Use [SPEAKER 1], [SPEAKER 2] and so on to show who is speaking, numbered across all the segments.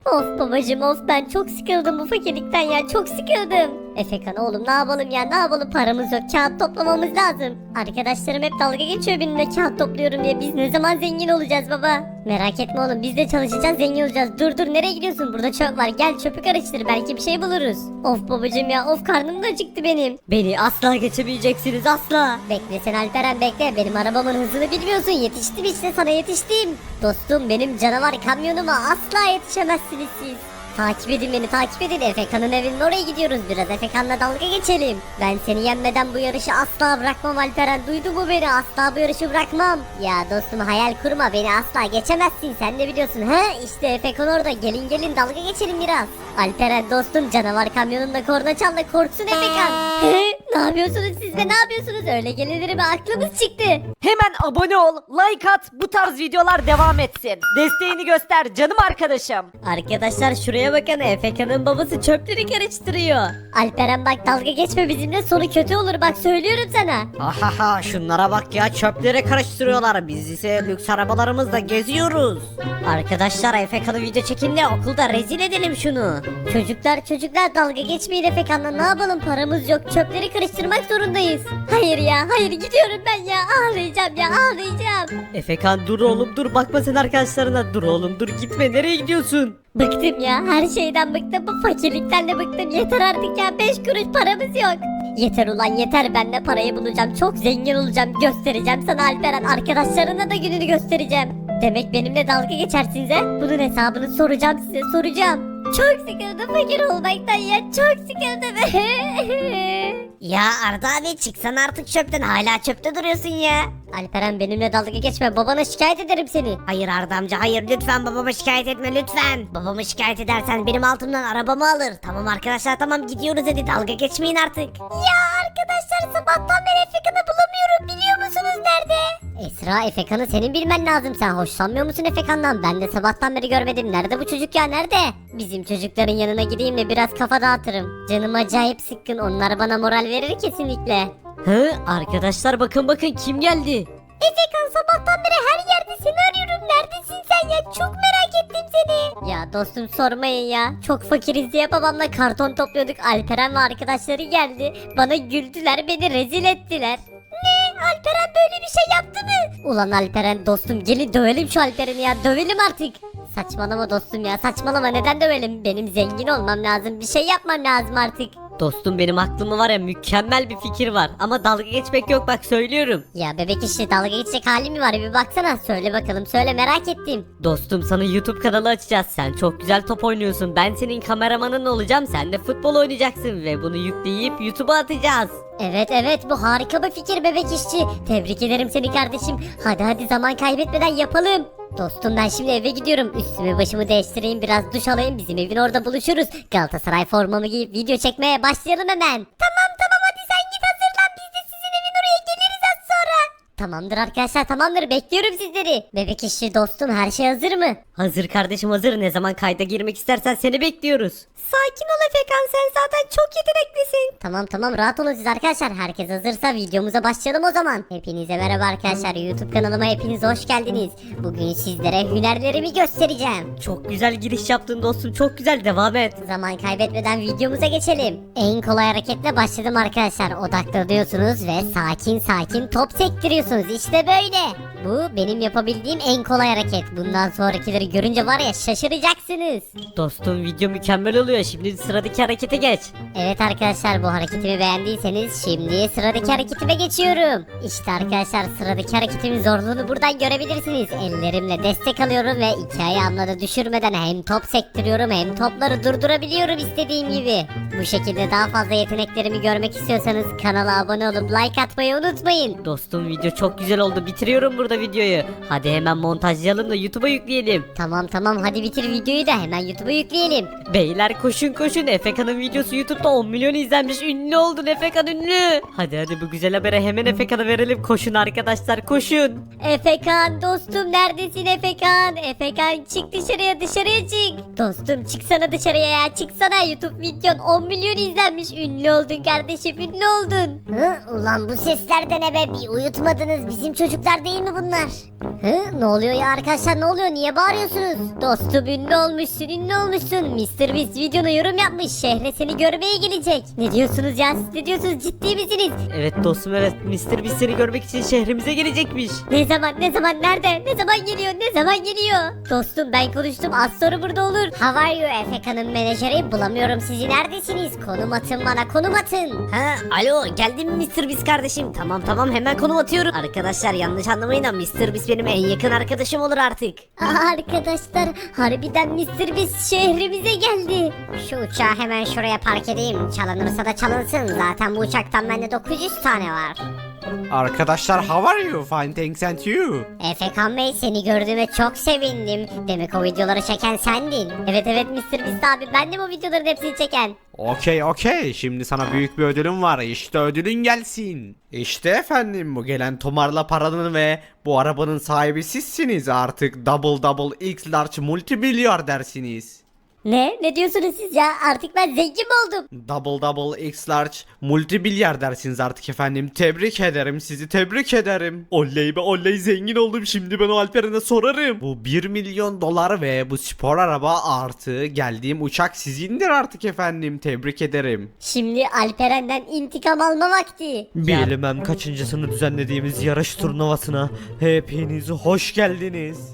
[SPEAKER 1] Of babacım of, ben çok sıkıldım bu fakirlikten ya, çok sıkıldım. Efekan oğlum, ne yapalım ya, ne yapalım, paramız yok, kağıt toplamamız lazım. Arkadaşlarım hep dalga geçiyor benimle kağıt topluyorum diye. Biz ne zaman zengin olacağız baba? Merak etme oğlum, biz de çalışacağız, zengin olacağız. Dur nereye gidiyorsun, burada çöp var, gel çöpü karıştır, belki bir şey buluruz. Of babacım ya of, karnım da acıktı benim. Beni asla geçemeyeceksiniz, asla. Bekle sen Alperen, bekle, benim arabamın hızını bilmiyorsun, yetiştim işte, sana yetiştim. Dostum, benim canavar kamyonuma asla yetişemezsiniz siz. Takip edin beni, takip edin. Efekan'ın evinin oraya gidiyoruz, biraz Efekan'la dalga geçelim. Ben seni yenmeden bu yarışı asla bırakmam Alperen, duydu mu beni, asla bu yarışı bırakmam. Ya dostum, hayal kurma, beni asla geçemezsin, sen de biliyorsun. He işte Efekan orada, gelin dalga geçelim biraz. Alperen dostum, canavar kamyonunda korna çal da korksun Efekan. Ne yapıyorsunuz siz de, ne yapıyorsunuz, öyle gelinir mi, aklımız çıktı.
[SPEAKER 2] Hemen abone ol, like at, bu tarz videolar devam etsin. Desteğini göster canım arkadaşım.
[SPEAKER 1] Arkadaşlar şuraya bakın, Efekan'ın babası çöpleri karıştırıyor. Alperen bak, dalga geçme bizimle, sonu kötü olur, bak söylüyorum sana.
[SPEAKER 3] Ahaha, şunlara bak ya, çöpleri karıştırıyorlar, biz ise lüks arabalarımızla geziyoruz.
[SPEAKER 1] Arkadaşlar Efekan'ı video çekin de okulda rezil edelim şunu. Çocuklar dalga geçmeyin Efekan'la, ne yapalım, paramız yok, çöpleri karıştırmak zorundayız. Hayır ya, hayır, gidiyorum ben ya, ağlayacağım ya, ağlayacağım.
[SPEAKER 2] Efekan dur oğlum dur, bakma sen arkadaşlarına, dur oğlum dur, gitme, nereye gidiyorsun?
[SPEAKER 1] Bıktım ya, her şeyden bıktım, bu fakirlikten de bıktım, yeter artık ya, 5 kuruş paramız yok. Yeter ulan yeter, ben de parayı bulacağım, çok zengin olacağım, göstereceğim sana Alperen, arkadaşlarına da gününü göstereceğim. Demek benimle dalga geçersiniz he? Bunun hesabını soracağım size, soracağım. Çok sıkıldım fakir olmaktan ya, çok sıkıldım.
[SPEAKER 3] Ya Arda abi, çıksana artık çöpten, hala çöpte duruyorsun ya.
[SPEAKER 1] Alperen benimle dalga geçme, babana şikayet ederim seni.
[SPEAKER 3] Hayır Arda amca, hayır, lütfen babama şikayet etme lütfen. Babamı şikayet edersen benim altımdan arabamı alır. Tamam arkadaşlar, tamam, gidiyoruz, hadi dalga geçmeyin artık.
[SPEAKER 1] Ya arkadaşlar, sabahtan beri Efekan'ı bulamıyorum, biliyor musunuz nerede? Esra, Efekan'ı senin bilmen lazım, sen hoşlanmıyor musun Efekan'dan? Ben de sabahtan beri görmedim, nerede bu çocuk ya, nerede? Bizim çocukların yanına gideyim de biraz kafa dağıtırım. Canım acayip sıkkın, onlar bana moral verir kesinlikle.
[SPEAKER 2] Hı, arkadaşlar bakın kim geldi?
[SPEAKER 1] Efekan, sabahtan beri her yerde seni arıyorum, neredesin sen ya, çok merak ettim seni. Ya dostum sormayın ya, çok fakiriz diye babamla karton topluyorduk, Alperen ve arkadaşları geldi, bana güldüler, beni rezil ettiler. Ne? Alperen böyle bir şey yaptı mı? Ulan Alperen dostum, gelin dövelim şu Alperen'i ya, dövelim artık. Saçmalama dostum ya, saçmalama, neden dövelim? Benim zengin olmam lazım, bir şey yapmam lazım artık.
[SPEAKER 2] Dostum benim aklımda var ya, mükemmel bir fikir var ama dalga geçmek yok, bak söylüyorum.
[SPEAKER 1] Ya bebek, işte dalga geçecek hali mi var, bir baksana, söyle bakalım, söyle, merak ettim.
[SPEAKER 2] Dostum sana YouTube kanalı açacağız, sen çok güzel top oynuyorsun, ben senin kameramanın olacağım, sen de futbol oynayacaksın ve bunu yükleyip YouTube'a atacağız.
[SPEAKER 1] Evet, bu harika bir fikir bebek işçi. Tebrik ederim seni kardeşim. Hadi zaman kaybetmeden yapalım. Dostum ben şimdi eve gidiyorum. Üstümü başımı değiştireyim, biraz duş alayım, bizim evin orada buluşuruz. Galatasaray formamı giyip video çekmeye başlayalım hemen. Tamam hadi sen git hazırlan, biz de sizin evin oraya geliriz az sonra. Tamamdır arkadaşlar, tamamdır, bekliyorum sizleri. Bebek işçi dostum, her şey hazır mı?
[SPEAKER 2] Hazır kardeşim, hazır, ne zaman kayda girmek istersen seni bekliyoruz.
[SPEAKER 1] Sakin ol Efekan, sen zaten çok yeteneklisin. Tamam rahat olun siz arkadaşlar. Herkes hazırsa videomuza başlayalım o zaman. Hepinize merhaba arkadaşlar, YouTube kanalıma hepiniz hoş geldiniz. Bugün sizlere hünerlerimi göstereceğim.
[SPEAKER 2] Çok güzel giriş yaptın dostum, çok güzel, devam et.
[SPEAKER 1] Zaman kaybetmeden videomuza geçelim. En kolay hareketle başladım arkadaşlar. Odaklanıyorsunuz ve sakin top sektiriyorsunuz. İşte böyle. Bu benim yapabildiğim en kolay hareket. Bundan sonrakileri görünce var ya, şaşıracaksınız.
[SPEAKER 2] Dostum video mükemmel oluyor, şimdi sıradaki harekete geç.
[SPEAKER 1] Evet arkadaşlar, bu hareketimi beğendiyseniz şimdi sıradaki hareketime geçiyorum. İşte arkadaşlar, sıradaki hareketimin zorluğunu buradan görebilirsiniz. Ellerimle destek alıyorum ve iki ayağımla da düşürmeden hem top sektiriyorum hem topları durdurabiliyorum istediğim gibi. Bu şekilde daha fazla yeteneklerimi görmek istiyorsanız kanala abone olup like atmayı unutmayın.
[SPEAKER 2] Dostum video çok güzel oldu, bitiriyorum burada videoyu. Hadi hemen montajlayalım da YouTube'a yükleyelim.
[SPEAKER 1] Tamam hadi bitir videoyu da hemen YouTube'a yükleyelim.
[SPEAKER 2] Beyler koşun, Efekan'ın videosu YouTube'da 10 milyon izlenmiş, ünlü oldun Efekan, ünlü. Hadi bu güzel habere hemen Efekan'a verelim, koşun arkadaşlar, koşun.
[SPEAKER 1] Efekan dostum, neredesin Efekan? Efekan çık dışarıya çık. Dostum çıksana dışarıya ya, çıksana, YouTube videon 10 milyon izlenmiş, ünlü oldun kardeşim, ünlü oldun.
[SPEAKER 3] Ulan bu sesler de ne be, bir uyutmadınız
[SPEAKER 1] mısınız? Bizim çocuklar değil mi bunlar? Hı? Ne oluyor ya arkadaşlar, ne oluyor? Niye bağırıyorsunuz? Dostum ünlü olmuşsun, ünlü olmuşsun. Mr. Beast videona yorum yapmış. Şehre seni görmeye gelecek. Ne diyorsunuz ya? Siz ne diyorsunuz? Ciddi misiniz?
[SPEAKER 2] Evet dostum, evet. Mr. Beast seni görmek için şehrimize gelecekmiş.
[SPEAKER 1] Ne zaman, ne zaman, nerede? Ne zaman geliyor, ne zaman geliyor? Dostum ben konuştum, az sonra burada olur. How are you Efeka'nın menajeri? Bulamıyorum sizi, neredesiniz? Konum atın bana, konum atın.
[SPEAKER 3] Ha, alo geldin mi Mr. Beast kardeşim? Tamam hemen konum atıyorum. Arkadaşlar yanlış anlamayın ama Mr. Beast benim en yakın arkadaşım olur artık.
[SPEAKER 1] Aa, arkadaşlar harbiden Mr. Beast şehrimize geldi. Şu uçağı hemen şuraya park edeyim. Çalınırsa da çalınsın. Zaten bu uçaktan bende 900 tane var.
[SPEAKER 4] Arkadaşlar how are you? Fine thanks and you.
[SPEAKER 1] Efekan Bey seni gördüğüme çok sevindim. Demek o videoları çeken sendin. Evet Mr. Beast abi, ben de bu videoların hepsini çeken.
[SPEAKER 4] Okey. Şimdi sana büyük bir ödülüm var. İşte ödülün gelsin. İşte efendim bu gelen tomarla paranın ve bu arabanın sahibi sizsiniz. Artık double X large multimilyardersiniz.
[SPEAKER 1] Ne diyorsunuz siz ya? Artık ben zengin mi oldum?
[SPEAKER 4] Double X large multimilyardersiniz artık efendim. Tebrik ederim, sizi tebrik ederim. Oley be oley, zengin oldum. Şimdi ben o Alperen'e sorarım. Bu 1 milyon dolar ve bu spor araba artı geldiğim uçak sizindir artık efendim. Tebrik ederim.
[SPEAKER 1] Şimdi Alperen'den intikam alma vakti.
[SPEAKER 2] Bilmem kaçıncısını düzenlediğimiz yarış turnuvasına hepiniz hoş geldiniz.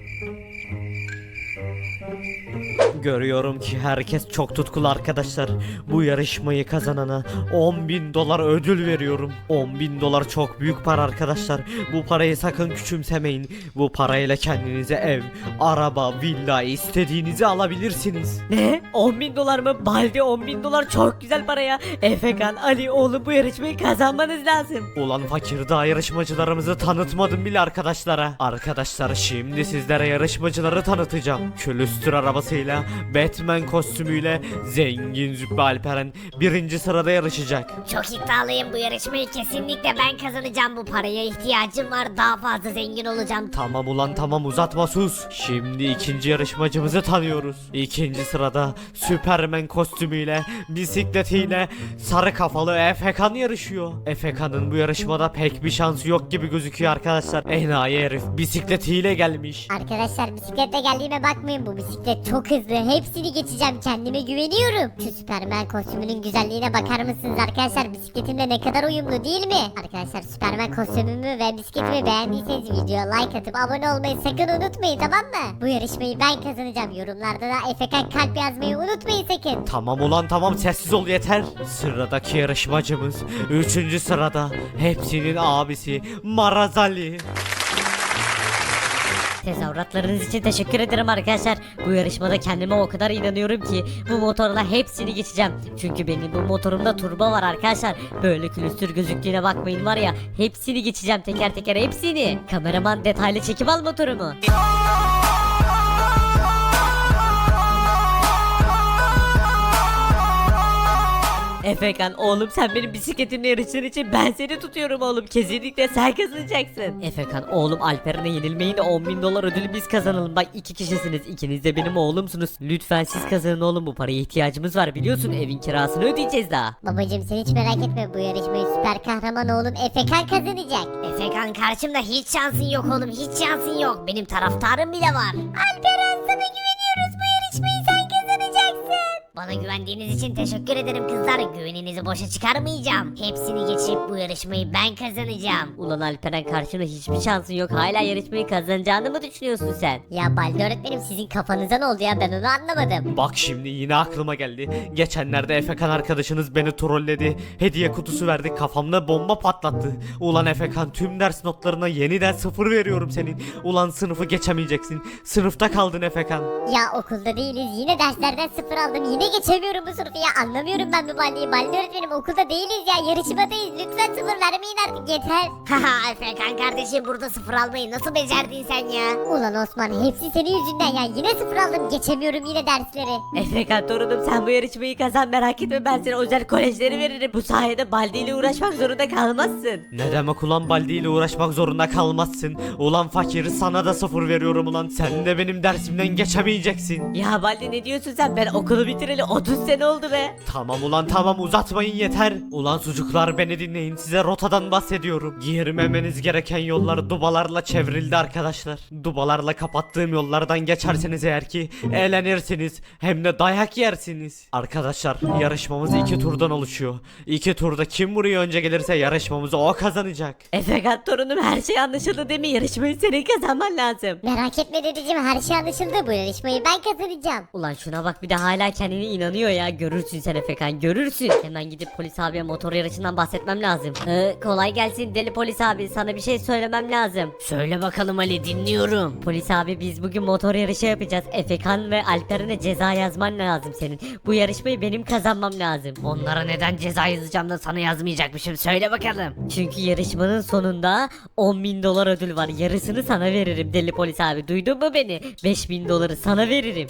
[SPEAKER 2] Görüyorum ki herkes çok tutkulu arkadaşlar. Bu yarışmayı kazanana 10.000 dolar ödül veriyorum. 10.000 dolar çok büyük para arkadaşlar. Bu parayı sakın küçümsemeyin. Bu parayla kendinize ev, araba, villa istediğinizi alabilirsiniz. Ne? 10.000 dolar mı? Baldi 10.000 dolar çok güzel para ya. Efekan, Ali oğlum bu yarışmayı kazanmanız lazım.
[SPEAKER 4] Ulan fakir, daha yarışmacılarımızı tanıtmadım bile arkadaşlara. Arkadaşlar şimdi sizlere yarışmacıları tanıtacağım. Külüstür arabasıyla, Batman kostümüyle zengin Züppe Alperen birinci sırada yarışacak.
[SPEAKER 3] Çok iddialıyım, bu yarışmayı kesinlikle ben kazanacağım. Bu paraya ihtiyacım var, daha fazla zengin olacağım.
[SPEAKER 4] Tamam ulan tamam, uzatma sus. Şimdi ikinci yarışmacımızı tanıyoruz. İkinci sırada Süpermen kostümüyle, bisikletiyle sarı kafalı Efekan yarışıyor. Efekan'ın bu yarışmada pek bir şansı yok gibi gözüküyor arkadaşlar. Enayi herif bisikletiyle gelmiş.
[SPEAKER 1] Arkadaşlar bisikletle geldiğime bakmayın, bu bisiklet çok hızlı. Hepsini geçeceğim, kendime güveniyorum. Şu Süpermen kostümünün güzelliğine bakar mısınız arkadaşlar? Bisikletimle ne kadar uyumlu değil mi? Arkadaşlar Süpermen kostümümü ve bisikletimi beğendiyseniz videoya like atıp abone olmayı sakın unutmayın, tamam mı? Bu yarışmayı ben kazanacağım. Yorumlarda da Efekan kalp yazmayı unutmayın sakın.
[SPEAKER 4] Tamam ulan tamam, sessiz ol yeter. Sıradaki yarışmacımız 3. sırada, hepsinin abisi Marazali.
[SPEAKER 2] Tezahüratlarınız için teşekkür ederim arkadaşlar. Bu yarışmada kendime o kadar inanıyorum ki bu motorla hepsini geçeceğim. Çünkü benim bu motorumda turbo var arkadaşlar. Böyle külüstür gözüktüğüne bakmayın, var ya hepsini geçeceğim, teker teker hepsini. Kameraman detaylı çekim al motorumu. Efekan oğlum, sen benim bisikletimle yarıştığın için ben seni tutuyorum oğlum. Kesinlikle sen kazanacaksın. Efekan oğlum, Alperen'e yenilmeyin de 10.000 dolar ödülü biz kazanalım. Bak 2 kişisiniz, ikiniz de benim oğlumsunuz. Lütfen siz kazanın oğlum, bu paraya ihtiyacımız var, biliyorsun evin kirasını ödeyeceğiz daha.
[SPEAKER 1] Babacım sen hiç merak etme, bu yarışmayı süper kahraman oğlum Efekan kazanacak.
[SPEAKER 3] Efekan, karşımda hiç şansın yok oğlum, hiç şansın yok. Benim taraftarım bile var. Alperen, sana güveniyoruz, bu yarışmayı sen kazanacaksın. Bana güvendiğiniz için teşekkür ederim kızlar. Güveninizi boşa çıkarmayacağım. Hepsini geçip bu yarışmayı ben kazanacağım.
[SPEAKER 2] Ulan Alperen, karşında hiçbir şansın yok, hala yarışmayı kazanacağını mı düşünüyorsun sen?
[SPEAKER 1] Ya Baldi öğretmenim, sizin kafanıza ne oldu ya, ben onu anlamadım.
[SPEAKER 4] Bak şimdi yine aklıma geldi. Geçenlerde Efekan arkadaşınız beni trolledi. Hediye kutusu verdi, kafamda bomba patlattı. Ulan Efekan, tüm ders notlarına yeniden 0 veriyorum senin. Ulan sınıfı geçemeyeceksin. Sınıfta kaldın Efekan.
[SPEAKER 1] Ya okulda değiliz, yine derslerden 0 aldım, yine geçemiyorum bu sınıfı ya, anlamıyorum ben bu Baldi'yi. Baldi öğretmenim, okulda değiliz ya, yarışmadayız, lütfen 0 vermeyin artık, yeter.
[SPEAKER 3] Haha Efekan kardeşim, burada 0 almayı nasıl becerdin sen ya?
[SPEAKER 1] Ulan Osman, hepsi senin yüzünden ya, yine 0 aldım, geçemiyorum yine dersleri.
[SPEAKER 2] Efekan torunum, sen bu yarışmayı kazan, merak etme, ben sana özel kolejleri veririm. Bu sayede Baldi ile uğraşmak zorunda kalmazsın.
[SPEAKER 4] Ne demek ulan, Baldi ile uğraşmak zorunda kalmazsın. Ulan fakir, sana da 0 veriyorum ulan. Sen de benim dersimden geçemeyeceksin.
[SPEAKER 2] Ya Baldi, ne diyorsun sen? Ben okulu bitireli
[SPEAKER 5] geleli 30 sene oldu be.
[SPEAKER 4] Tamam ulan tamam uzatmayın yeter. Ulan sucuklar beni dinleyin size rotadan bahsediyorum. Girmemeniz gereken yollar dubalarla çevrildi arkadaşlar. Dubalarla kapattığım yollardan geçerseniz eğer ki eğlenirsiniz hem de dayak yersiniz. Arkadaşlar yarışmamız 2 turdan oluşuyor. 2 turda kim buraya önce gelirse yarışmamızı o kazanacak.
[SPEAKER 5] Efekan torunum her şey anlaşıldı değil mi? Yarışmayı senin kazanman lazım.
[SPEAKER 1] Merak etme dedeciğim, her şey anlaşıldı. Bu yarışmayı ben kazanacağım.
[SPEAKER 5] Ulan şuna bak bir de hala kendine inanıyor ya. Görürsün sen Efekan, görürsün. Hemen gidip polis abiye motor yarışından bahsetmem lazım. Kolay gelsin deli polis abi, sana bir şey söylemem lazım.
[SPEAKER 3] Söyle bakalım Ali, dinliyorum.
[SPEAKER 5] Polis abi biz bugün motor yarışı yapacağız. Efekan ve Alperen'e ceza yazman lazım senin. Bu yarışmayı benim kazanmam lazım.
[SPEAKER 3] Onlara neden ceza yazacağım da sana yazmayacakmışım, söyle bakalım.
[SPEAKER 5] Çünkü yarışmanın sonunda 10.000 dolar ödül var. Yarısını sana veririm deli polis abi. Duydun mu beni? 5.000 doları sana veririm.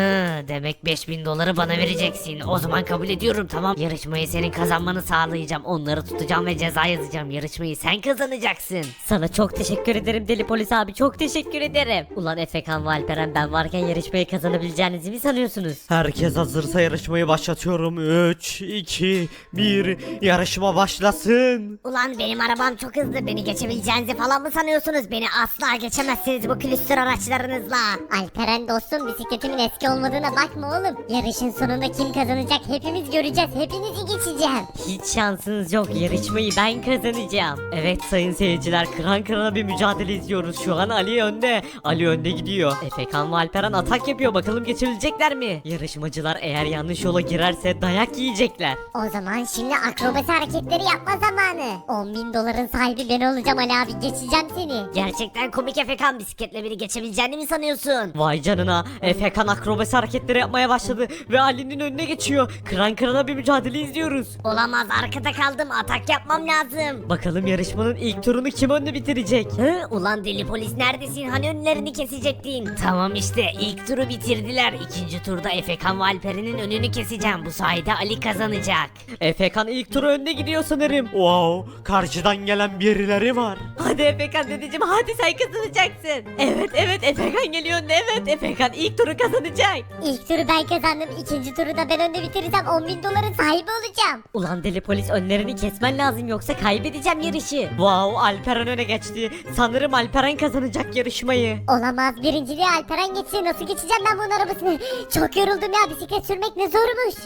[SPEAKER 3] Demek 5000 doları bana vereceksin. O zaman kabul ediyorum, tamam. Yarışmayı senin kazanmanı sağlayacağım. Onları tutacağım ve ceza yazacağım. Yarışmayı sen kazanacaksın.
[SPEAKER 5] Sana çok teşekkür ederim deli polis abi. Çok teşekkür ederim. Ulan Efekan ve Alperen ben varken yarışmayı kazanabileceğinizi mi sanıyorsunuz?
[SPEAKER 4] Herkes hazırsa yarışmayı başlatıyorum. 3, 2, 1 yarışma başlasın.
[SPEAKER 3] Ulan benim arabam çok hızlı. Beni geçebileceğinizi falan mı sanıyorsunuz? Beni asla geçemezsiniz bu külüstür araçlarınızla.
[SPEAKER 1] Alperen dostum, bisikletimin eski olmadığına bakma oğlum. Yarışın sonunda kim kazanacak hepimiz göreceğiz. Hepinizi geçeceğim.
[SPEAKER 5] Hiç şansınız yok. Yarışmayı ben kazanacağım. Evet sayın seyirciler, kıran kırana bir mücadele izliyoruz. Şu an Ali önde. Ali önde gidiyor. Efekan ve Alperen atak yapıyor. Bakalım geçebilecekler mi? Yarışmacılar eğer yanlış yola girerse dayak yiyecekler.
[SPEAKER 1] O zaman şimdi akrobasi hareketleri yapma zamanı. 10.000 doların sahibi ben olacağım Ali abi, geçeceğim seni.
[SPEAKER 3] Gerçekten komik Efekan, bisikletle beni geçebileceğini mi sanıyorsun?
[SPEAKER 5] Vay canına. Efekan akrobasi hareketleri yapmaya başladı ve Ali'nin önüne geçiyor. Kıran kırana bir mücadele izliyoruz.
[SPEAKER 3] Olamaz, arkada kaldım, atak yapmam lazım.
[SPEAKER 5] Bakalım yarışmanın ilk turunu kim önde bitirecek?
[SPEAKER 3] Ulan deli polis, neredesin? Hani önlerini kesecektin? Tamam işte, ilk turu bitirdiler. İkinci turda Efekan ve Alperen'in önünü keseceğim. Bu sayede Ali kazanacak.
[SPEAKER 5] Efekan ilk turu önde gidiyor sanırım.
[SPEAKER 4] Wow, karşıdan gelen birileri var.
[SPEAKER 5] Hadi Efekan dedeciğim, hadi sen kazanacaksın. Evet Efekan geliyor önde, evet Efekan ilk turu kazanacak.
[SPEAKER 1] İlk turu ben kazandım. İkinci turu da ben önde bitirirsem 10.000 doların sahibi olacağım.
[SPEAKER 5] Ulan deli polis, önlerini kesmen lazım yoksa kaybedeceğim yarışı. Wow, Alperen öne geçti. Sanırım Alperen kazanacak yarışmayı.
[SPEAKER 1] Olamaz, birinciliği Alperen geçti. Nasıl geçeceğim ben bunun arabasını? Çok yoruldum ya, bisiklet sürmek ne zormuş.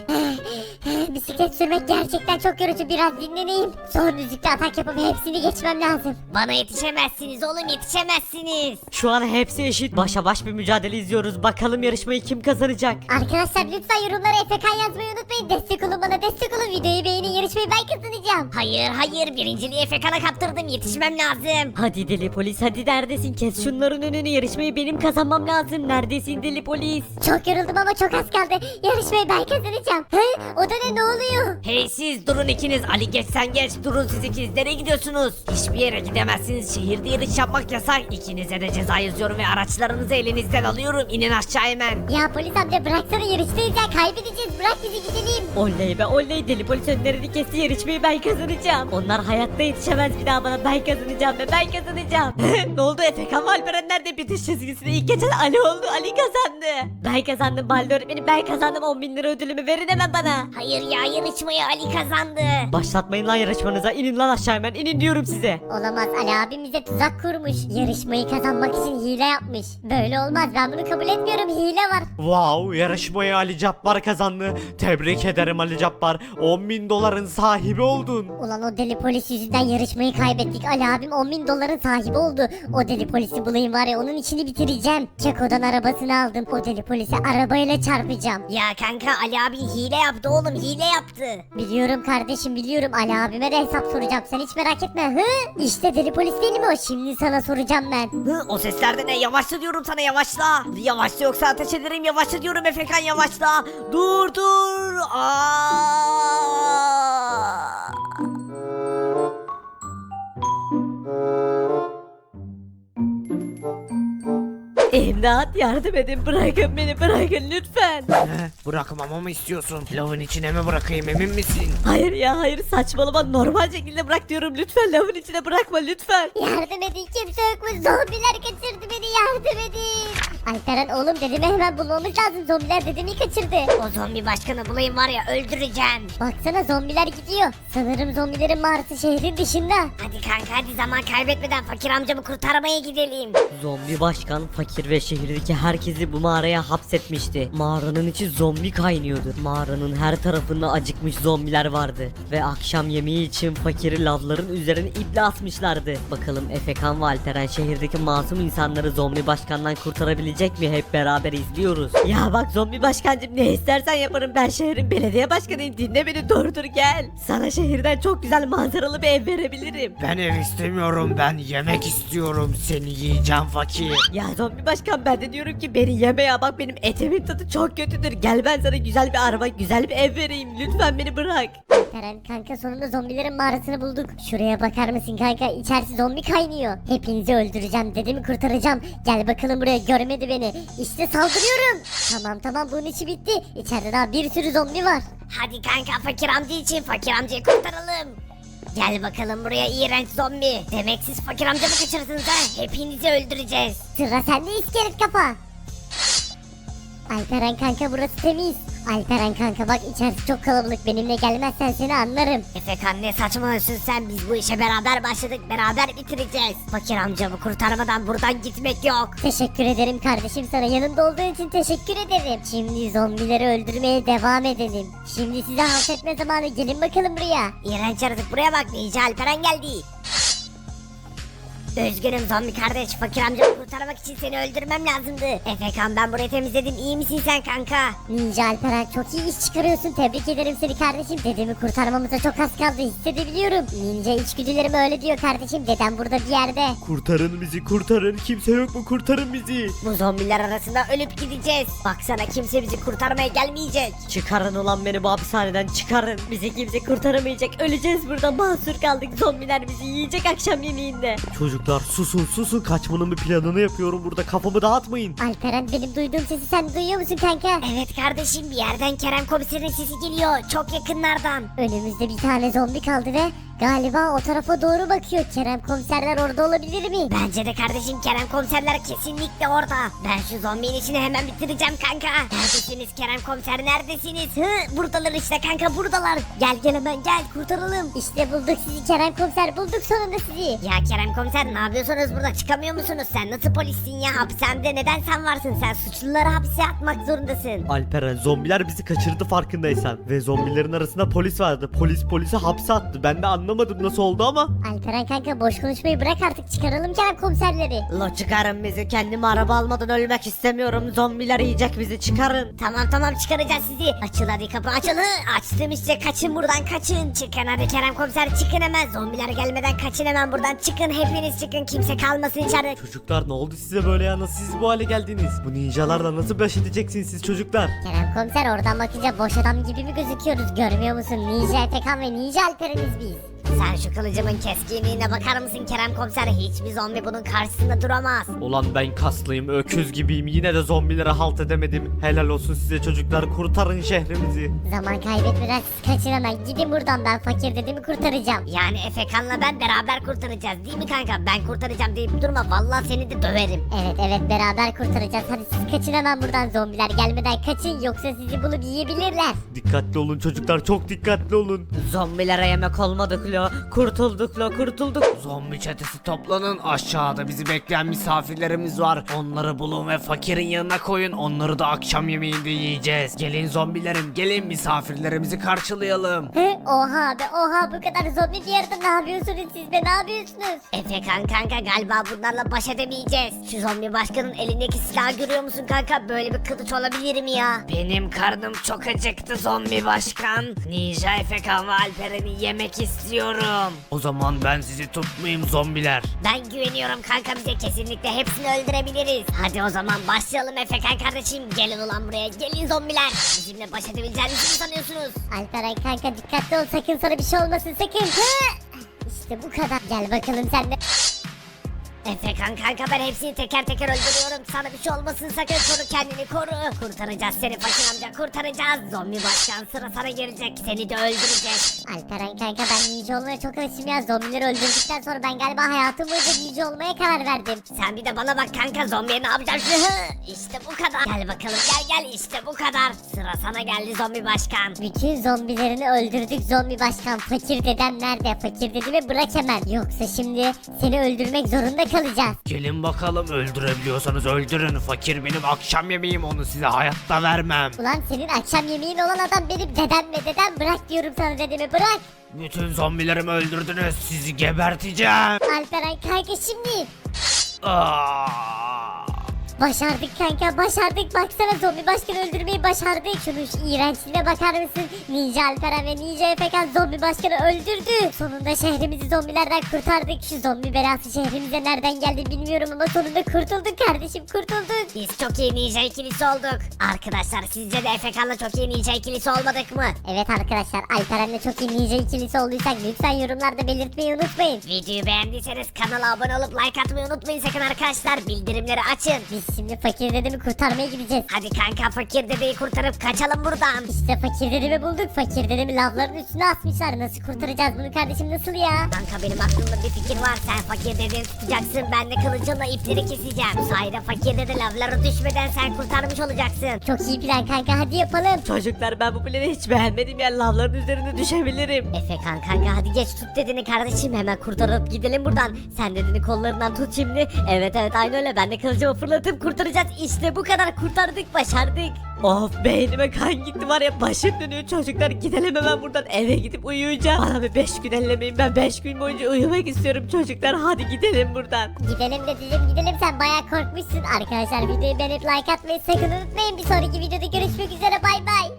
[SPEAKER 1] Bisiklet sürmek gerçekten çok yorucu, biraz dinleneyim. Son düzlükte atak yapıp hepsini geçmem lazım.
[SPEAKER 3] Bana yetişemezsiniz oğlum, yetişemezsiniz.
[SPEAKER 5] Şu an hepsi eşit, başa baş bir mücadele izliyoruz. Bakalım yarışmayı kim kazanacak?
[SPEAKER 1] Arkadaşlar lütfen yorumlara Efekan yazmayı unutmayın. Destek olun bana, destek olun. Videoyu beğenin, yarışmayı ben kazanacağım.
[SPEAKER 3] Hayır, birinciliği Efekan'a kaptırdım, yetişmem lazım.
[SPEAKER 5] Hadi deli polis, hadi neredesin? Kes şunların önünü, yarışmayı benim kazanmam lazım. Neredesin deli polis?
[SPEAKER 1] Çok yoruldum ama çok az kaldı. Yarışmayı ben kazanacağım. O da ne oluyor?
[SPEAKER 3] Hey siz durun ikiniz, Ali geç sen geç, durun siz ikiniz, nereye gidiyorsunuz? Hiçbir yere gidemezsiniz, şehirde yarış yapmak yasak. İkinize de ceza yazıyorum ve araçlarınızı elinizden alıyorum, inin aşağı hemen.
[SPEAKER 1] Ya polis amca bıraksana, yarıştayız ya, kaybedeceğiz. Bırak bizi gidelim.
[SPEAKER 5] Oley be oley, deli polis önlerini kesti, yarışmayı ben kazanacağım. Onlar hayatta yetişemez bir daha bana, ben kazanacağım ve ben kazanacağım. Ne oldu, Efekan ve Alperen nerede? Bitiş çizgisinde ilk geçen Ali oldu, Ali kazandı. Ben kazandım Balde öğretmenim, ben kazandım. 10.000 lira ödülümü verin hemen bana.
[SPEAKER 3] Hayır ya, yarışmayı Ali kazandı.
[SPEAKER 5] Başlatmayın lan yarışmanıza, inin lan aşağı hemen, inin diyorum size.
[SPEAKER 1] Olamaz, Ali abim bize tuzak kurmuş. Yarışmayı kazanmak için hile yapmış. Böyle olmaz, ben bunu kabul etmiyorum, hile var.
[SPEAKER 4] Wow, yarışmayı Ali Cabbar kazandı. Tebrik ederim Ali Cabbar. 10.000 doların sahibi oldun.
[SPEAKER 1] Ulan o deli polis yüzünden yarışmayı kaybettik. Ali abim 10.000 doların sahibi oldu. O deli polisi bulayım var ya, onun işini bitireceğim. Keko'dan arabasını aldım. O deli polisi arabayla çarpacağım.
[SPEAKER 3] Ya kanka, Ali abi hile yaptı oğlum, hile yaptı.
[SPEAKER 1] Biliyorum kardeşim, biliyorum. Ali abime de hesap soracağım, sen hiç merak etme. İşte deli polis değil mi o? Şimdi sana soracağım ben.
[SPEAKER 3] O sesler de ne? Yavaşla diyorum sana, yavaşla. Yavaşla yoksa ateş ederim, yavaşla diyorum Efekan, yavaşla. Dur.
[SPEAKER 5] İmdat, yardım edin, bırakın beni, bırakın lütfen.
[SPEAKER 2] Bırakmamı mı istiyorsun? Lavın içine mi bırakayım, emin misin?
[SPEAKER 5] Hayır ya hayır, saçmalama, normal şekilde bırak diyorum, lütfen lavın içine bırakma lütfen.
[SPEAKER 1] Yardım edin, kimse yok mu? Zombiler kaçırdı beni, yardım edin. Alperen oğlum dedemi hemen bulmamız lazım. Zombiler dedemi kaçırdı.
[SPEAKER 3] O zombi başkanı bulayım var ya öldüreceğim.
[SPEAKER 1] Baksana zombiler gidiyor. Sanırım zombilerin mağarası şehrin dışında.
[SPEAKER 3] Hadi kanka hadi zaman kaybetmeden fakir amcamı kurtarmaya gidelim.
[SPEAKER 5] Zombi başkan fakir ve şehirdeki herkesi bu mağaraya hapsetmişti. Mağaranın içi zombi kaynıyordu. Mağaranın her tarafında acıkmış zombiler vardı. Ve akşam yemeği için fakiri lavların üzerine iple asmışlardı. Bakalım Efekan ve Alperen şehirdeki masum insanları zombi başkandan kurtarabilecek mi? Hep beraber izliyoruz. Ya bak zombi başkancım ne istersen yaparım. Ben şehrin belediye başkanıyım. Dinle beni dur gel. Sana şehirden çok güzel manzaralı bir ev verebilirim.
[SPEAKER 2] Ben ev istemiyorum, ben yemek istiyorum. Seni yiyeceğim fakir.
[SPEAKER 5] Ya zombi başkan ben de diyorum ki beni yeme ya bak benim etimin tadı çok kötüdür. Gel ben sana güzel bir araba güzel bir ev vereyim lütfen beni bırak.
[SPEAKER 1] Alperen kanka sonunda zombilerin mağarasını bulduk. Şuraya bakar mısın kanka? İçerisi zombi kaynıyor. Hepinizi öldüreceğim. Dedemi kurtaracağım. Gel bakalım buraya, görmedi beni. İşte saldırıyorum. Tamam bunun işi bitti. İçeride daha bir sürü zombi var.
[SPEAKER 3] Hadi kanka fakir amca için fakir amcayı kurtaralım. Gel bakalım buraya iğrenç zombi. Demek siz fakir amcamı kaçırdınız ha? Hepinizi öldüreceğiz.
[SPEAKER 1] Sıra sende iskelet kafa. Alperen kanka burası temiz. Alperen kanka bak içerisi çok kalabalık. Benimle gelmezsen seni anlarım.
[SPEAKER 3] Efekan ne saçmalıyorsun sen? Biz bu işe beraber başladık. Beraber bitireceğiz. Fakir amcamı kurtarmadan buradan gitmek yok.
[SPEAKER 1] Teşekkür ederim kardeşim, sana yanımda olduğun için teşekkür ederim. Şimdi zombileri öldürmeye devam edelim. Şimdi size halt etme zamanı, gelin bakalım buraya.
[SPEAKER 3] İğrenç yaratık buraya bak. Ninja Alperen geldi. Üzgünüm zombi kardeş. Fakir amcamı kurtarmak için seni öldürmem lazımdı. Efekan ben burayı temizledim. İyi misin sen kanka?
[SPEAKER 1] Ninja Alperen çok iyi iş çıkarıyorsun, tebrik ederim seni kardeşim. Dedemi kurtarmamıza çok az kaldı, hissedebiliyorum. Ninja içgüdülerim öyle diyor kardeşim, dedem burada bir yerde.
[SPEAKER 2] Kurtarın bizi, kurtarın. Kimse yok mu? Kurtarın bizi.
[SPEAKER 3] Bu zombiler arasında ölüp gideceğiz. Baksana kimse bizi kurtarmaya gelmeyecek.
[SPEAKER 5] Çıkarın ulan beni bu hapishaneden çıkarın. Bizi kimse kurtaramayacak. Öleceğiz burada mahsur kaldık. Zombiler bizi yiyecek akşam yemeğinde.
[SPEAKER 2] Çocuklar susun, kaçmanın bir planını yapıyorum burada, kafamı dağıtmayın.
[SPEAKER 1] Alperen benim duyduğum sesi sen duyuyor musun kanka?
[SPEAKER 3] Evet kardeşim bir yerden Kerem komiserin sesi geliyor. Çok yakınlardan.
[SPEAKER 1] Önümüzde bir tane zombi kaldı ve galiba o tarafa doğru bakıyor. Kerem komiserler orada olabilir mi?
[SPEAKER 3] Bence de kardeşim Kerem komiserler kesinlikle orada. Ben şu zombinin işini hemen bitireceğim kanka. Neredesiniz Kerem komiser neredesiniz? Buradalar işte kanka buradalar. Gel hemen gel kurtaralım.
[SPEAKER 1] İşte bulduk sizi Kerem komiser, bulduk sonunda sizi.
[SPEAKER 3] Ya Kerem komiser ne yapıyorsunuz burada, çıkamıyor musunuz? Sen nasıl polissin ya, hapishanede neden sen varsın? Sen suçluları hapse atmak zorundasın.
[SPEAKER 2] Alperen, zombiler bizi kaçırdı farkındaysan. Ve zombilerin arasında polis vardı. Polis polisi hapse attı. Ben de anlamadım nasıl oldu ama.
[SPEAKER 1] Alperen kanka boş konuşmayı bırak artık, çıkaralım Kerem komiserleri.
[SPEAKER 5] La çıkarın bizi, kendime araba almadan ölmek istemiyorum. Zombiler yiyecek bizi, çıkarın.
[SPEAKER 3] Tamam çıkaracağız sizi. Açıl hadi kapı açıl. Açtım işte, kaçın buradan kaçın. Çıkın hadi Kerem komiser, çıkın hemen. Zombiler gelmeden kaçın hemen buradan, çıkın hepiniz çıkın, kimse kalmasın içeride.
[SPEAKER 2] Çocuklar ne oldu size böyle ya? Nasıl siz bu hale geldiniz? Bu ninjalarla nasıl baş edeceksiniz siz çocuklar?
[SPEAKER 1] Kerem komiser oradan bakınca boş adam gibi mi gözüküyoruz, görmüyor musun? Ninja Efekan ve Ninja Alperen'iz biz.
[SPEAKER 3] Sen şu kılıcımın keskinliğine bakar mısın Kerem komiser? Hiçbir zombi bunun karşısında duramaz.
[SPEAKER 2] Ulan ben kaslıyım, öküz gibiyim. Yine de zombilere halt edemedim. Helal olsun size çocuklar, kurtarın şehrimizi.
[SPEAKER 1] Zaman kaybetmeden siz kaçın hemen, gidin buradan, ben fakir dedemi kurtaracağım.
[SPEAKER 3] Yani Efekan'la ben beraber kurtaracağız değil mi kanka? Ben kurtaracağım deyip durma, vallahi seni de döverim.
[SPEAKER 1] Evet beraber kurtaracağız, hadi siz kaçın hemen buradan, zombiler gelmeden kaçın yoksa sizi bulup yiyebilirler.
[SPEAKER 2] Dikkatli olun çocuklar, çok dikkatli olun.
[SPEAKER 5] Zombilere yemek olmadık lo. Kurtulduk.
[SPEAKER 4] Zombi çetesi toplanın, aşağıda bizi bekleyen misafirlerimiz var. Onları bulun ve fakirin yanına koyun, onları da akşam yemeğinde yiyeceğiz. Gelin zombilerim, gelin misafirlerimizi karşılayalım.
[SPEAKER 1] Oha be oha, bu kadar zombi bir yerde ne yapıyorsunuz siz be, ne yapıyorsunuz?
[SPEAKER 3] Efekan kanka galiba bunlarla baş edemeyeceğiz. Şu zombi başkanın elindeki silahı görüyor musun kanka? Böyle bir kılıç olabilir mi ya?
[SPEAKER 4] Benim karnım çok acıktı zombi başkan. Ninja Efekan ve Alperen'i yemek istiyorum. O zaman ben sizi tutmayayım zombiler.
[SPEAKER 3] Ben güveniyorum kanka, bize kesinlikle hepsini öldürebiliriz. Hadi o zaman başlayalım Efekan kardeşim. Gelin ulan buraya, gelin zombiler. Bizimle baş edebileceğinizi mi sanıyorsunuz?
[SPEAKER 1] Alperen kanka dikkatli ol, sakın sana bir şey olmasın sakın. İşte bu kadar, gel bakalım sen de.
[SPEAKER 3] Efekan kanka ben hepsini teker teker öldürüyorum. Sana bir şey olmasın sakın koru kendini koru. Kurtaracağız seni fakir amca kurtaracağız. Zombi başkan sıra sana gelecek seni de öldürecek.
[SPEAKER 1] Alperen kanka ben ninja olmaya çok alışım ya. Zombileri öldürdükten sonra ben galiba hayatım boyunca ninja olmaya karar verdim.
[SPEAKER 3] Sen bir de bana bak kanka zombiye ne yapacaksın? İşte bu kadar. Gel bakalım gel işte bu kadar. Sıra sana geldi zombi başkan.
[SPEAKER 1] Bütün zombilerini öldürdük zombi başkan. Fakir dedem nerede? Fakir dedemi bırak hemen. Yoksa şimdi seni öldürmek zorunda kalacağız.
[SPEAKER 4] Gelin bakalım öldürebiliyorsanız öldürün. Fakir benim akşam yemeğim onu size hayatta vermem.
[SPEAKER 1] Ulan senin akşam yemeğin olan adam benim dedem ve dedem bırak diyorum sana dedemi bırak.
[SPEAKER 4] Bütün zombilerimi öldürdünüz sizi geberteceğim.
[SPEAKER 1] Alperen kanka şimdi.
[SPEAKER 4] Aa!
[SPEAKER 1] Başardık kanka başardık baksana zombi başkanı öldürmeyi başardık. Şunun şu iğrençliğine bakar mısın? Ninja Alperen ve Ninja Efekan zombi başkanı öldürdü. Sonunda şehrimizi zombilerden kurtardık. Şu zombi belası şehrimize nereden geldi bilmiyorum ama sonunda kurtulduk kardeşim kurtulduk.
[SPEAKER 3] Biz çok iyi ninja ikilisi olduk. Arkadaşlar sizce de Efekan'la çok iyi ninja ikilisi olmadık mı?
[SPEAKER 1] Evet arkadaşlar Alperen'le çok iyi ninja ikilisi olduysak lütfen yorumlarda belirtmeyi unutmayın.
[SPEAKER 3] Videoyu beğendiyseniz kanala abone olup like atmayı unutmayın sakın arkadaşlar. Bildirimleri açın.
[SPEAKER 1] Biz şimdi fakir dedemi kurtarmaya gideceğiz.
[SPEAKER 3] Hadi kanka fakir dedeyi kurtarıp kaçalım buradan.
[SPEAKER 1] İşte fakir dedemi bulduk. Fakir dedemi lavların üstüne asmışlar. Nasıl kurtaracağız bunu kardeşim nasıl ya?
[SPEAKER 3] Kanka benim aklımda bir fikir var. Sen fakir dedeyi tutacaksın. Ben de kılıcımla ipleri keseceğim. Bu sayede fakir dede lavlara düşmeden sen kurtarmış olacaksın.
[SPEAKER 1] Çok iyi plan kanka hadi yapalım.
[SPEAKER 5] Çocuklar ben bu planı hiç beğenmedim ya. Lavların üzerinde düşebilirim.
[SPEAKER 3] Efekan kanka hadi geç tut dedeni kardeşim. Hemen kurtarıp gidelim buradan. Sen dedeni kollarından tut şimdi. Evet aynı öyle. Ben de kılıcımı fırlatıp kurtaracağız. İşte bu kadar kurtardık başardık.
[SPEAKER 5] Of beynime kan gitti var ya başım dönüyor çocuklar gidelim hemen buradan eve gidip uyuyacağım. Bana bir 5 gün ellemeyin ben 5 gün boyunca uyumak istiyorum çocuklar hadi gidelim buradan.
[SPEAKER 1] Gidelim dedeciğim gidelim sen bayağı korkmuşsun. Arkadaşlar videoyu beğenip like atmayı sakın unutmayın. Bir sonraki videoda görüşmek üzere bay bay.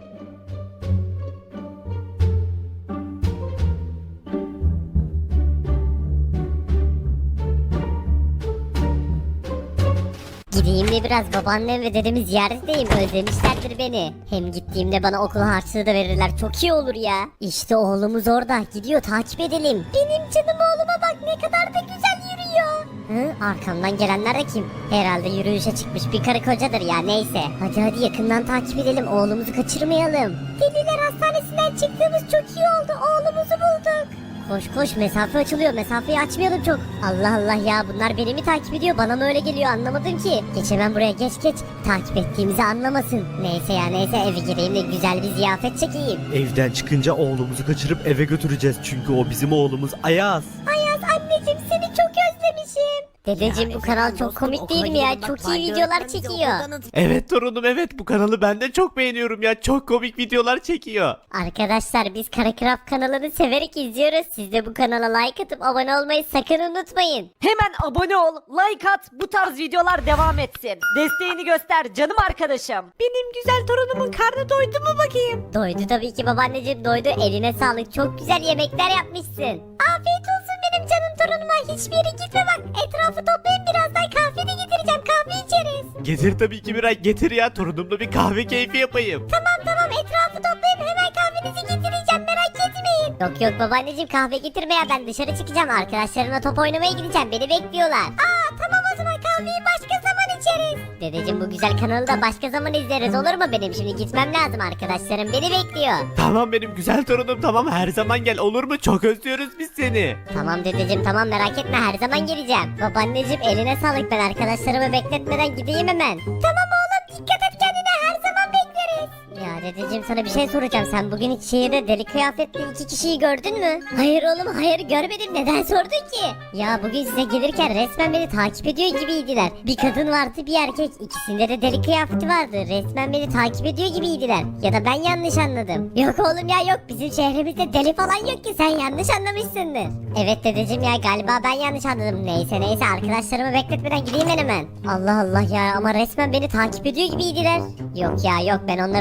[SPEAKER 1] Gideyim de biraz babaannem ve dedemi ziyaret edeyim özlemişlerdir beni. Hem gittiğimde bana okul harçlığı da verirler çok iyi olur ya. İşte oğlumuz orada gidiyor takip edelim. Benim canım oğluma bak ne kadar da güzel yürüyor. Hı, arkamdan gelenler de kim? Herhalde yürüyüşe çıkmış bir karı kocadır ya neyse. Hadi yakından takip edelim oğlumuzu kaçırmayalım. Deliler hastanesinden çıktığımız çok iyi oldu oğlumuzu bulduk. Koş mesafe açılıyor mesafeyi açmayalım çok. Allah Allah ya bunlar beni mi takip ediyor bana mı öyle geliyor anlamadım ki. Geç hemen buraya geç takip ettiğimizi anlamasın. Neyse eve gireyim de güzel bir ziyafet çekeyim.
[SPEAKER 2] Evden çıkınca oğlumuzu kaçırıp eve götüreceğiz çünkü o bizim oğlumuz Ayaz.
[SPEAKER 1] Ayaz anneciğim seni çok özlemişim. Dedeciğim bu kanal çok komik değil mi ya çok iyi videolar çekiyor.
[SPEAKER 4] Evet torunum evet bu kanalı ben de çok beğeniyorum ya çok komik videolar çekiyor.
[SPEAKER 1] Arkadaşlar biz Karakraf kanalını severek izliyoruz. Siz de bu kanala like atıp abone olmayı sakın unutmayın.
[SPEAKER 5] Hemen abone ol like at bu tarz videolar devam etsin. Desteğini göster canım arkadaşım. Benim güzel torunumun karnı doydu mu bakayım?
[SPEAKER 1] Doydu tabii ki babaanneciğim doydu. Eline sağlık çok güzel yemekler yapmışsın. Afiyet olsun benim canım torunuma. Hiçbir yere gitme bak. Etrafı toplayın birazdan kahve de getireceğim. Kahve içeriz.
[SPEAKER 4] Getir tabii ki Miray getir ya torunumla bir kahve keyfi yapayım.
[SPEAKER 1] Tamam etrafı toplayın hemen kahvenizi getireceğim merak etmeyin. Yok babaanneciğim kahve getirme ya ben dışarı çıkacağım. Arkadaşlarımla top oynamaya gideceğim. Beni bekliyorlar. Tamam o zaman kahveyi başka zaman içeriz. Dedeciğim bu güzel kanalı da başka zaman izleriz olur mu benim? Şimdi gitmem lazım arkadaşlarım beni bekliyor.
[SPEAKER 4] Tamam benim güzel torunum tamam her zaman gel olur mu çok özlüyoruz biz seni.
[SPEAKER 1] Tamam dedeciğim tamam merak etme her zaman geleceğim. Babaanneciğim eline sağlık ben arkadaşlarımı bekletmeden gideyim hemen. Tamam oğlum dikkat et kendine her zaman bekleriz. Ya dedeciğim sana bir şey soracağım sen bugün hiç şehirde deli kıyafetli 2 kişiyi gördün mü? Hayır oğlum hayır görmedim neden sordun ki? Ya bugün size gelirken resmen beni takip ediyor gibiydiler. Bir kadın vardı bir erkek ikisinde de deli kıyafeti vardı resmen beni takip ediyor gibiydiler. Ya da ben yanlış anladım. Yok oğlum ya yok bizim şehrimizde deli falan yok ki sen yanlış anlamışsındır. Evet dedeciğim ya galiba ben yanlış anladım. Neyse arkadaşlarımı bekletmeden gideyim ben hemen. Allah Allah ya ama resmen beni takip ediyor gibiydiler. Yok ya yok ben onları tanımam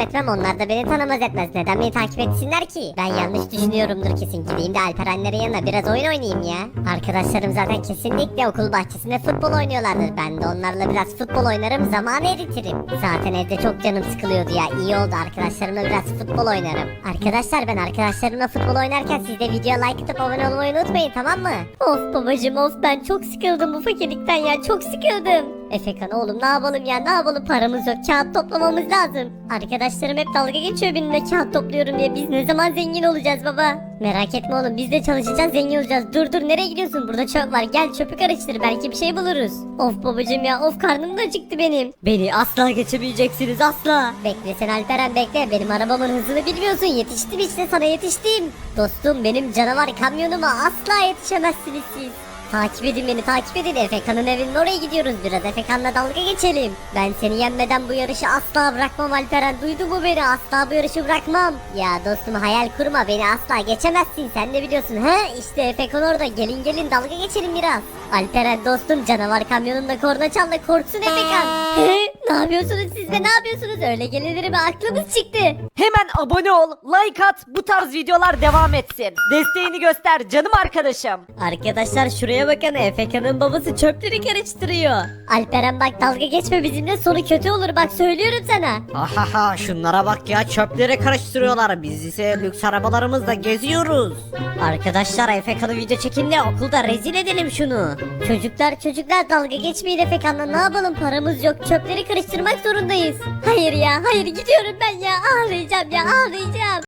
[SPEAKER 1] etmem, onlar da beni tanımaz etmez. Neden beni takip etsinler ki? Ben yanlış düşünüyorumdur kesin. Gideyim de Alperenlerin yanına biraz oyun oynayayım ya. Arkadaşlarım zaten kesinlikle okul bahçesinde futbol oynuyorlardır. Ben de onlarla biraz futbol oynarım, zamanı eritirim. Zaten evde çok canım sıkılıyordu ya. İyi oldu, arkadaşlarımla biraz futbol oynarım. Arkadaşlar, ben arkadaşlarımla futbol oynarken siz de videoya like atıp abone olmayı unutmayın, tamam mı? Of babacım of, ben çok sıkıldım bu fakirlikten ya, çok sıkıldım. Efekan oğlum ne yapalım ya, ne yapalım, paramız yok, kağıt toplamamız lazım. Arkadaşlarım hep dalga geçiyor benimle kağıt topluyorum diye. Biz ne zaman zengin olacağız baba? Merak etme oğlum, biz de çalışacağız, zengin olacağız. Dur nereye gidiyorsun, burada çöp var, gel çöpü karıştır, belki bir şey buluruz. Of babacım ya of, karnım da acıktı benim.
[SPEAKER 5] Beni asla geçemeyeceksiniz, asla.
[SPEAKER 1] Bekle sen Alperen, bekle, benim arabamın hızını bilmiyorsun, yetiştim işte, sana yetiştim. Dostum, benim canavar kamyonuma asla yetişemezsiniz siz. Takip edin beni, takip edin. Efekan'ın evinin oraya gidiyoruz, biraz Efekan'la dalga geçelim. Ben seni yenmeden bu yarışı asla bırakmam Alperen, duydun mu beni, asla bu yarışı bırakmam. Ya dostum hayal kurma, beni asla geçemezsin, sen de biliyorsun he. İşte Efekan orada, gelin dalga geçelim biraz. Alperen dostum, canavar kamyonunda korna çal da korksun Efekan. Ne yapıyorsunuz siz be, ne yapıyorsunuz, öyle gelinir mi, aklımız çıktı.
[SPEAKER 5] Hemen abone ol, like at, bu tarz videolar devam etsin. Desteğini göster canım arkadaşım. Arkadaşlar şuraya bakın, Efekan'ın babası çöpleri karıştırıyor.
[SPEAKER 1] Alperen bak, dalga geçme bizimle, sonu kötü olur bak, söylüyorum sana.
[SPEAKER 6] Ahaha, şunlara bak ya, çöpleri karıştırıyorlar, biz ise lüks arabalarımızla geziyoruz.
[SPEAKER 5] Arkadaşlar Efekan'ı video çekin de okulda rezil edelim şunu.
[SPEAKER 1] Çocuklar dalga geçmeyin Efekan'la, ne yapalım, paramız yok, çöpleri karıştırmak zorundayız. Hayır ya hayır, gidiyorum ben ya, ağlayacağım ya, ağlayacağım.